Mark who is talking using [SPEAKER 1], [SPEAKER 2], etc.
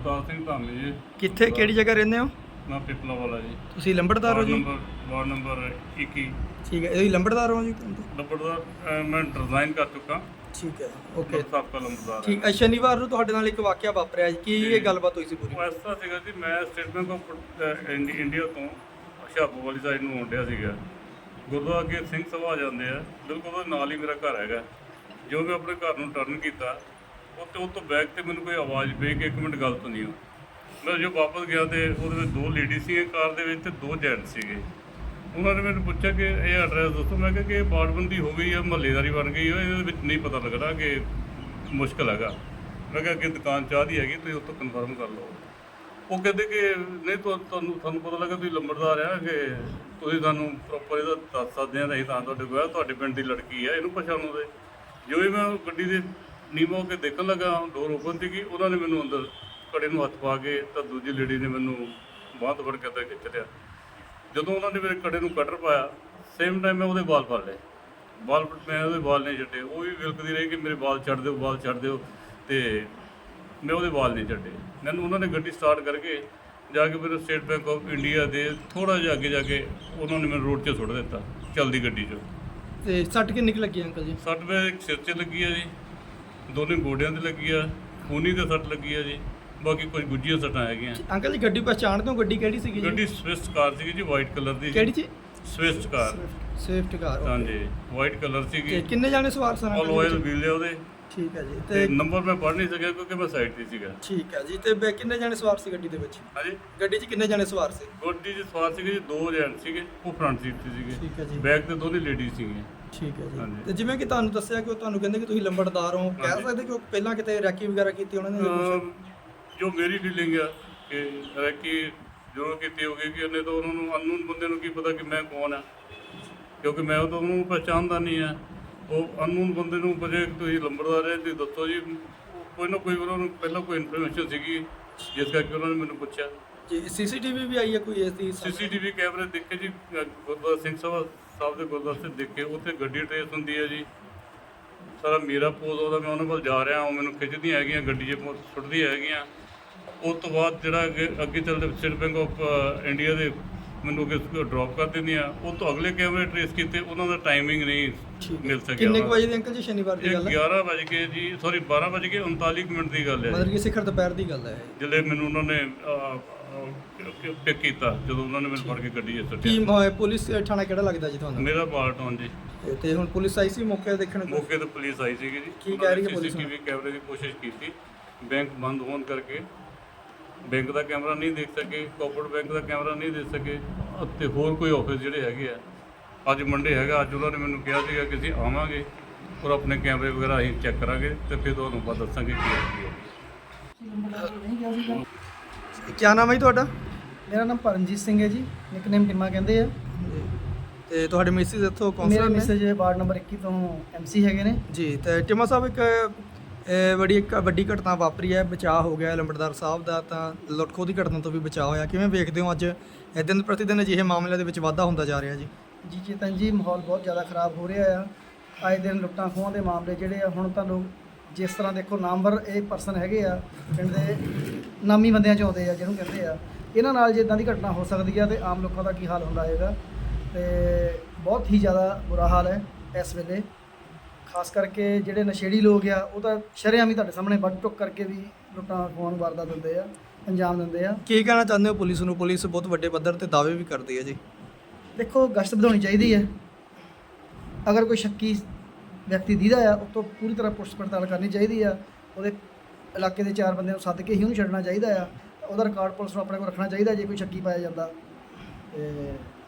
[SPEAKER 1] ਅਵਤਾਰ ਸਿੰਘ ਧਾਮੀ ਜੀ।
[SPEAKER 2] ਕਿੱਥੇ ਕਿਹੜੀ ਜਗ੍ਹਾ ਰਹਿੰਦੇ ਹੋ?
[SPEAKER 1] ਮੈਂ ਪਿਪਲਾ ਵਾਲਾ ਜੀ।
[SPEAKER 2] ਤੁਸੀਂ ਲੰਬੜਦਾਰ ਹੋ ਜੀ?
[SPEAKER 1] Ward number 21।
[SPEAKER 2] ਠੀਕ ਹੈ, ਇਹ ਲੰਬੜਦਾਰ ਹੋ ਜੀ?
[SPEAKER 1] ਲੰਬੜਦਾਰ ਮੈਂ ਡਿਜ਼ਾਈਨ ਕਰ ਚੁੱਕਾ।
[SPEAKER 2] ਠੀਕ ਹੈ, ਓਕੇ।
[SPEAKER 1] ਸਾਬਕਾ ਲੰਬੜਦਾਰ।
[SPEAKER 2] ਠੀਕ ਹੈ, ਸ਼ਨੀਵਾਰ ਨੂੰ ਤੁਹਾਡੇ ਨਾਲ ਇੱਕ ਵਾਕਿਆ ਵਾਪਰਿਆ ਜੀ, ਕੀ ਇਹ ਗੱਲਬਾਤ ਹੋਈ ਸੀ ਪੂਰੀ?
[SPEAKER 1] ਇਸ ਤਰ੍ਹਾਂ ਸੀਗਾ ਜੀ, ਮੈਂ ਸਟੇਟ ਬੈਂਕ ਆਫ ਇੰਡੀਆ ਤੋਂ ਹੁਸ਼ਿਆਰਪੁਰ ਵਾਲੀ ਸਾਈਡ ਨੂੰ ਆਉਂਦਿਆ ਸੀਗਾ। ਗੁਰਦੁਆਰਾ ਅੱਗੇ ਸਿੰਘ ਸਭਾ ਜਾਂਦੇ ਆ, ਬਿਲਕੁਲ ਉਹਦੇ ਨਾਲ ਹੀ ਮੇਰਾ ਘਰ ਹੈਗਾ। ਜੋ ਮੈਂ ਆਪਣੇ ਘਰ ਨੂੰ ਟਰਨ ਕੀਤਾ, ਉਹ ਤੋਂ ਬੈਕ ਤੇ ਮੈਨੂੰ ਕੋਈ ਆਵਾਜ਼ ਪਈ ਕਿ 1 ਮਿੰਟ ਗੱਲ ਸੁਣੀਓ। ਮੈਂ ਜੋ ਵਾਪਸ ਗਿਆ ਤੇ ਉਹਦੇ ਵਿੱਚ 2 ਲੇਡੀ ਸੀਗੇ ਕਾਰ ਦੇ ਵਿੱਚ ਤੇ 2 ਜੈਂਟ ਸੀਗੇ। ਉਹਨਾਂ ਨੇ ਮੈਨੂੰ ਪੁੱਛਿਆ ਕਿ ਇਹ ਐਡਰੈਸ ਦੱਸੋ। ਮੈਂ ਕਿਹਾ ਕਿ ਇਹ ਬਾੜਬੰਦੀ ਹੋ ਗਈ ਆ, ਮਹੱਲੇਦਾਰੀ ਬਣ ਗਈ ਆ, ਇਹਦੇ ਵਿੱਚ ਨਹੀਂ ਪਤਾ ਲੱਗਦਾ ਕਿ ਮੁਸ਼ਕਿਲ ਹੈਗਾ। ਮੈਂ ਕਿਹਾ ਅੱਗੇ ਦੁਕਾਨ ਚਾਹ ਦੀ ਹੈਗੀ, ਤੁਸੀਂ ਉੱਥੋਂ ਕਨਫਰਮ ਕਰ ਲਓ। ਉਹ ਕਹਿੰਦੇ ਕਿ ਨਹੀਂ ਤੁਹਾਨੂੰ ਪਤਾ ਲੱਗਾ ਤੁਸੀਂ ਲੰਬੜਦਾਰ ਆ, ਕਿ ਤੁਸੀਂ ਸਾਨੂੰ ਪ੍ਰੋਪਰ ਇਹਦਾ ਦੱਸ ਸਕਦੇ ਆ, ਅਸੀਂ ਤਾਂ ਤੁਹਾਡੇ ਕੋਲ ਤੁਹਾਡੇ ਪਿੰਡ ਦੀ ਲੜਕੀ ਆ, ਇਹਨੂੰ ਪਛਾਣੋ ਦੇ। ਜੋ ਹੀ ਮੈਂ ਗੱਡੀ ਦੇ ਨੀਵਾਂ ਹੋ ਕੇ ਦੇਖਣ ਲੱਗਾ, ਡੋਰ ਓਪਨ ਸੀਗੀ, ਉਹਨਾਂ ਨੇ ਮੈਨੂੰ ਅੰਦਰ ਕੜੇ ਨੂੰ ਹੱਥ ਪਾ ਕੇ ਤਾਂ ਦੂਜੀ ਲੇਡੀ ਨੇ ਮੈਨੂੰ ਬਾਂਹ ਤੋਂ ਫੜ ਕੇ ਅੰਦਰ ਖਿੱਚ ਲਿਆ। ਜਦੋਂ ਉਹਨਾਂ ਨੇ ਮੇਰੇ ਕੜੇ ਨੂੰ ਕਟਰ ਪਾਇਆ, ਸੇਮ ਟਾਈਮ ਮੈਂ ਉਹਦੇ ਵਾਲ ਫੜ ਲਏ। ਮੈਂ ਉਹਦੇ ਵਾਲ ਨਹੀਂ ਛੱਡੇ। ਉਹ ਵੀ ਵਿਲਕਦੀ ਰਹੀ ਕਿ ਮੇਰੇ ਵਾਲ ਛੱਡ ਦਿਓ, ਤੇ ਮੈਂ ਉਹਦੇ ਵਾਲ ਨਹੀਂ ਛੱਡੇ। ਮੈਨੂੰ ਉਹਨਾਂ ਨੇ ਗੱਡੀ ਸਟਾਰਟ ਕਰਕੇ ਜਾ ਕੇ ਮੇਰੇ ਸਟੇਟ ਬੈਂਕ ਆਫ ਇੰਡੀਆ ਦੇ ਥੋੜ੍ਹਾ ਜਿਹਾ ਅੱਗੇ ਜਾ ਕੇ ਉਹਨਾਂ ਨੇ ਮੈਨੂੰ ਰੋਡ 'ਚ ਸੁੱਟ ਦਿੱਤਾ, ਚੱਲਦੀ ਗੱਡੀ 'ਚੋਂ।
[SPEAKER 2] ਤੇ ਸੱਟ ਕਿੰਨੀ ਕੁ ਲੱਗੀ ਅੰਕਲ ਜੀ?
[SPEAKER 1] ਸੱਟ ਮੇਰੇ ਇੱਕ ਸਿਰ 'ਚ ਲੱਗੀ ਆ ਜੀ, ਦੋਨੇ ਗੋਡਿਆਂ 'ਤੇ ਲੱਗੀ ਆ, ਖੂਨੀ 'ਤੇ ਸੱਟ ਲੱਗੀ ਆ ਜੀ, ਬਾਕੀ ਕੁਝ ਗੁੱਝੀਆਂ ਸੱਟਾਂ ਹੈਗੀਆਂ।
[SPEAKER 2] ਅੰਕਲ ਜੀ ਗੱਡੀ ਪਛਾਣਦੇ ਹੋ? ਗੱਡੀ ਕਿਹੜੀ ਸੀਗੀ ਜੀ?
[SPEAKER 1] ਗੱਡੀ ਸਵਿਫਟ ਕਾਰ ਸੀਗੀ ਜੀ, ਵਾਈਟ ਕਲਰ ਦੀ।
[SPEAKER 2] ਕਿਹੜੀ ਜੀ?
[SPEAKER 1] Swift car.
[SPEAKER 2] ਸਵਿਫਟ ਕਾਰ,
[SPEAKER 1] ਹਾਂਜੀ, ਵਾਈਟ ਕਲਰ ਸੀਗੀ।
[SPEAKER 2] ਤੇ ਕਿੰਨੇ ਜਾਣੇ ਸਵਾਰ ਸਨ?
[SPEAKER 1] ਆਲ ਆਇਲ ਵੀਲ ਆ ਉਹਦੇ।
[SPEAKER 2] ਠੀਕ ਹੈ ਜੀ।
[SPEAKER 1] ਤੇ ਨੰਬਰ ਮੈਂ ਪੜ੍ਹ ਨਹੀਂ ਸਕਿਆ ਕਿਉਂਕਿ ਮੈਂ ਸਾਈਡ 'ਤੇ ਸੀਗਾ।
[SPEAKER 2] ਠੀਕ ਹੈ ਜੀ। ਤੇ ਕਿੰਨੇ ਜਾਣੇ ਸਵਾਰ ਸੀ ਗੱਡੀ ਦੇ ਵਿੱਚ?
[SPEAKER 1] ਹਾਂਜੀ,
[SPEAKER 2] ਗੱਡੀ 'ਚ ਕਿੰਨੇ ਜਾਣੇ ਸਵਾਰ ਸੀ?
[SPEAKER 1] ਗੱਡੀ 'ਚ ਸਵਾਰ ਸੀਗੇ ਜੀ 2 ਜੈਂਟ ਸੀਗੇ, ਉਹ ਫਰੰਟ ਸੀਟ 'ਤੇ ਸੀਗੇ।
[SPEAKER 2] ਠੀਕ ਹੈ ਜੀ।
[SPEAKER 1] ਬੈਕ ਤੇ ਦੋਨੇ ਲੇਡੀਜ਼ ਸੀਗੀਆਂ।
[SPEAKER 2] ਠੀਕ ਹੈ ਜੀ।
[SPEAKER 1] ਹਾਂਜੀ।
[SPEAKER 2] ਤੇ ਜਿਵੇਂ ਕਿ ਤੁਹਾਨੂੰ ਦੱਸਿਆ ਕਿ ਉਹ ਤੁਹਾਨੂੰ ਕਹਿੰਦੇ ਕਿ ਤੁਸੀਂ ਲੰਬੜਦਾਰ ਹੋ, ਕਹਿ ਸਕਦੇ ਕਿ ਉਹ ਪਹਿਲਾਂ ਕਿਤੇ ਰੈਕੀ ਵਗੈਰਾ ਕੀਤੀ ਉਹਨਾਂ ਨੇ?
[SPEAKER 1] ਜੋ ਮੇਰੀ ਫੀਲਿੰਗ ਆ ਕਿ ਰੈਕੀ ਜ਼ਰੂਰ ਕੀਤੀ ਹੋਗੀ, ਕਿ ਉਹਨੇ ਤਾਂ ਉਹਨਾਂ ਨੂੰ ਅਨਨੋਨ ਬੰਦੇ ਨੂੰ ਕੀ ਪਤਾ ਕਿ ਮੈਂ ਕੌਣ ਆ, ਕਿਉਂਕਿ ਮੈਂ ਤਾਂ ਉਹਨੂੰ ਪਹਿਚਾਣਦਾ ਨਹੀਂ ਆ। ਉਹ ਅਨਨੋਨ ਬੰਦੇ ਨੂੰ ਪੁੱਛੇ ਤੁਸੀਂ ਲੰਬੜਦਾਰ ਹੈ, ਤੁਸੀਂ ਦੱਸੋ ਜੀ। ਕੋਈ ਨਾ ਕੋਈ ਉਹਨਾਂ ਨੂੰ ਪਹਿਲਾਂ ਕੋਈ ਇਨਫੋਰਮੇਸ਼ਨ ਸੀਗੀ, ਜਿਸ ਕਰਕੇ ਉਹਨਾਂ ਨੇ ਮੈਨੂੰ ਪੁੱਛਿਆ।
[SPEAKER 2] ਜੀ ਸੀਸੀਟੀਵੀ ਵੀ ਆਈ ਹੈ ਕੋਈ ਇਸ ਦੀ?
[SPEAKER 1] ਸੀਸੀਟੀਵੀ ਕੈਮਰੇ ਦੇਖੇ ਜੀ, ਗੁਰਦੁਆਰਾ ਸਿੰਘ ਸਭਾ ਸਾਹਿਬ ਦੇ ਗੁਰਦੁਆਰੇ 'ਤੇ ਦੇਖੇ, ਉੱਥੇ ਗੱਡੀ ਟਰੇਸ ਹੁੰਦੀ ਹੈ ਜੀ। ਸਾਰਾ ਮੇਰਾ ਪੋਜ਼ ਉਹਦਾ, ਮੈਂ ਉਹਨਾਂ ਕੋਲ ਜਾ ਰਿਹਾ, ਉਹ ਮੈਨੂੰ ਖਿੱਚਦੀਆਂ ਹੈਗੀਆਂ, ਗੱਡੀ 'ਚ ਸੁੱਟਦੀਆਂ ਹੈਗੀਆਂ। ਉਸ ਤੋਂ ਬਾਅਦ ਜਿਹੜਾ ਅੱਗੇ ਚੱਲਦੇ ਸਟੇਟ ਬੈਂਕ ਆਫ ਇੰਡੀਆ ਦੇ ਮੈਨੂੰ ਅੱਗੇ ਡ੍ਰੌਪ ਕਰ ਦਿੰਦੀਆਂ। ਉਹ ਤੋਂ ਅਗਲੇ ਕੈਮਰੇ ਟਰੇਸ ਕੀਤੇ, ਉਹਨਾਂ ਦਾ ਟਾਈਮਿੰਗ ਨਹੀਂ ਮਿਲ ਸਕਿਆ।
[SPEAKER 2] ਕਿੰਨੇ ਕੁ ਵਜੇ ਦੀ ਅੰਕਲ ਜੀ ਸ਼ਨੀਵਾਰ ਦੀ ਗੱਲ ਹੈ?
[SPEAKER 1] 11 ਵਜੇ ਕੇ ਜੀ, ਸੌਰੀ 12 ਵਜੇ ਕੇ 39 ਮਿੰਟ ਦੀ ਗੱਲ ਹੈ।
[SPEAKER 2] ਮਤਲਬ ਕਿ ਸਿਖਰ ਦੁਪਹਿਰ ਦੀ ਗੱਲ ਹੈ
[SPEAKER 1] ਜਿਹੜੇ ਮੈਨੂੰ ਉਹਨਾਂ ਨੇ ਪਿਕ ਕੀਤਾ, ਜਦੋਂ ਉਹਨਾਂ ਨੇ ਮੈਨੂੰ ਫੜ ਕੇ ਗੱਡੀ 'ਚ
[SPEAKER 2] ਕੀ
[SPEAKER 1] ਸੁੱਟਿਆ।
[SPEAKER 2] ਪੁਲਿਸ ਥਾਣਾ ਕਿਹੜਾ ਲੱਗਦਾ ਜੀ ਤੁਹਾਨੂੰ?
[SPEAKER 1] ਮੇਰਾ ਪਾਰਟਨ ਜੀ।
[SPEAKER 2] ਤੇ ਹੁਣ ਪੁਲਿਸ ਆਈ ਸੀ ਮੌਕੇ ਦੇਖਣ?
[SPEAKER 1] ਮੌਕੇ ਤੇ ਪੁਲਿਸ ਆਈ ਸੀਗੀ ਜੀ।
[SPEAKER 2] ਕੀ ਕਹਿ ਰਹੀ ਹੈ ਪੁਲਿਸ?
[SPEAKER 1] ਸੀਸੀਟੀਵੀ ਕੈਮਰੇ ਦੀ ਕੋਸ਼ਿਸ਼ ਕੀਤੀ, ਬੈਂਕ ਬੰਦ ਹੋਣ ਕਰਕੇ ਬੈਂਕ ਦਾ ਕੈਮਰਾ ਨਹੀਂ ਦੇਖ ਸਕੇ, ਕੋਆਪਰੇਟਿਵ ਬੈਂਕ ਦਾ ਕੈਮਰਾ ਨਹੀਂ ਦੇਖ ਸਕੇ, ਅਤੇ ਹੋਰ ਕੋਈ ਆਫਿਸ ਜਿਹੜੇ ਹੈਗੇ ਆ। ਅੱਜ ਮੰਡੇ ਹੈਗਾ, ਅੱਜ ਉਹਨਾਂ ਨੇ ਮੈਨੂੰ ਕਿਹਾ ਸੀਗਾ ਕਿ ਅਸੀਂ ਆਵਾਂਗੇ ਔਰ ਆਪਣੇ ਕੈਮਰੇ ਵਗੈਰਾ ਅਸੀਂ ਚੈੱਕ ਕਰਾਂਗੇ ਤੇ ਫਿਰ ਤੁਹਾਨੂੰ ਬਾਅਦ ਦੱਸਾਂਗੇ ਕੀ ਹੈ।
[SPEAKER 2] ਕੀ ਨਾਮ ਹੈ ਜੀ ਤੁਹਾਡਾ?
[SPEAKER 3] ਮੇਰਾ ਨਾਮ ਪਰਮਜੀਤ ਸਿੰਘ ਹੈ ਜੀ, ਨਿਕਨੇਮ ਟਿਮਾ ਕਹਿੰਦੇ ਆ।
[SPEAKER 2] ਤੇ ਤੁਹਾਡੇ ਮਿਸਿਸ ਇੱਥੋਂ
[SPEAKER 3] ਮੇਰੇ
[SPEAKER 2] ਕਾਉਂਸਲਰ ਨੇ?
[SPEAKER 3] ਮੈਸੇਜ ਵਾਰਡ ਨੰਬਰ 21 ਤੋਂ MC ਹੈਗੇ ਨੇ
[SPEAKER 2] ਜੀ। ਤੇ ਟਿਮਾ ਸਾਹਿਬ, ਇੱਕ ਵੱਡੀ ਘਟਨਾ ਵਾਪਰੀ ਹੈ, ਬਚਾਅ ਹੋ ਗਿਆ ਲੰਬੜਦਾਰ ਸਾਹਿਬ ਦਾ, ਤਾਂ ਲੁੱਟ-ਖੋਹ ਦੀ ਘਟਨਾ ਤੋਂ ਵੀ ਬਚਾਅ ਹੋਇਆ। ਕਿਵੇਂ ਵੇਖਦੇ ਹੋ ਅੱਜ ਦਿਨ ਪ੍ਰਤੀ ਦਿਨ ਅਜਿਹੇ ਮਾਮਲਿਆਂ ਦੇ ਵਿੱਚ ਵਾਧਾ ਹੁੰਦਾ ਜਾ ਰਿਹਾ ਜੀ?
[SPEAKER 3] ਜੀ ਚੇਤਨ ਜੀ, ਮਾਹੌਲ ਬਹੁਤ ਜ਼ਿਆਦਾ ਖਰਾਬ ਹੋ ਰਿਹਾ ਆ। ਆਏ ਦਿਨ ਲੁੱਟਾਂ ਖੋਹਾਂ ਦੇ ਮਾਮਲੇ ਜਿਹੜੇ ਆ, ਹੁਣ ਤਾਂ ਲੋਕ ਜਿਸ ਤਰ੍ਹਾਂ ਦੇਖੋ ਨਾਮਵਰ ਇਹ ਪਰਸਨ ਹੈਗੇ ਆ, ਪਿੰਡ ਦੇ ਨਾਮੀ ਬੰਦਿਆਂ 'ਚ ਆਉਂਦੇ ਆ ਜਿਹਨੂੰ ਕਹਿੰਦੇ ਆ, ਇਹਨਾਂ ਨਾਲ ਜੇ ਇੱਦਾਂ ਦੀ ਘਟਨਾ ਹੋ ਸਕਦੀ ਆ ਤੇ ਆਮ ਲੋਕਾਂ ਦਾ ਕੀ ਹਾਲ ਹੁੰਦਾ ਹੋਏਗਾ। ਤੇ ਬਹੁਤ ਹੀ ਜ਼ਿਆਦਾ ਬੁਰਾ ਹਾਲ ਹੈ ਇਸ ਵੇਲੇ, ਖਾਸ ਕਰਕੇ ਜਿਹੜੇ ਨਸ਼ੇੜੀ ਲੋਕ ਆ, ਉਹ ਤਾਂ ਸ਼ਰੇਆਮ ਹੀ ਤੁਹਾਡੇ ਸਾਹਮਣੇ ਵੱਢ ਟੁੱਕ ਕਰਕੇ ਵੀ ਲੁੱਟਾਂ ਖੋਹਾਂ ਨੂੰ ਵਾਰਦਾਤ ਦਿੰਦੇ ਆ, ਅੰਜਾਮ ਦਿੰਦੇ ਆ।
[SPEAKER 2] ਕੀ ਕਹਿਣਾ ਚਾਹੁੰਦੇ ਹੋ ਪੁਲਿਸ ਨੂੰ? ਪੁਲਿਸ ਬਹੁਤ ਵੱਡੇ ਪੱਧਰ ਤੇ ਦਾਅਵੇ ਵੀ ਕਰਦੀ ਹੈ ਜੀ।
[SPEAKER 3] ਦੇਖੋ, ਗਸ਼ਤ ਵਧਾਉਣੀ ਚਾਹੀਦੀ ਹੈ। ਅਗਰ ਕੋਈ ਸ਼ੱਕੀ ਵਿਅਕਤੀ ਦੀਦਾ ਆ, ਉਹ ਤੋਂ ਪੂਰੀ ਤਰ੍ਹਾਂ ਪੁੱਛ ਪੜਤਾਲ ਕਰਨੀ ਚਾਹੀਦੀ ਆ। ਉਹਦੇ ਇਲਾਕੇ ਦੇ 4 ਬੰਦਿਆਂ ਨੂੰ ਸੱਦ ਕੇ ਹੀ ਉਹਨੂੰ ਛੱਡਣਾ ਚਾਹੀਦਾ ਆ। ਉਹਦਾ ਰਿਕਾਰਡ ਪੁਲਿਸ ਨੂੰ ਆਪਣੇ ਕੋਲ ਰੱਖਣਾ ਚਾਹੀਦਾ ਜੇ ਕੋਈ ਸ਼ੱਕੀ ਪਾਇਆ ਜਾਂਦਾ। ਤੇ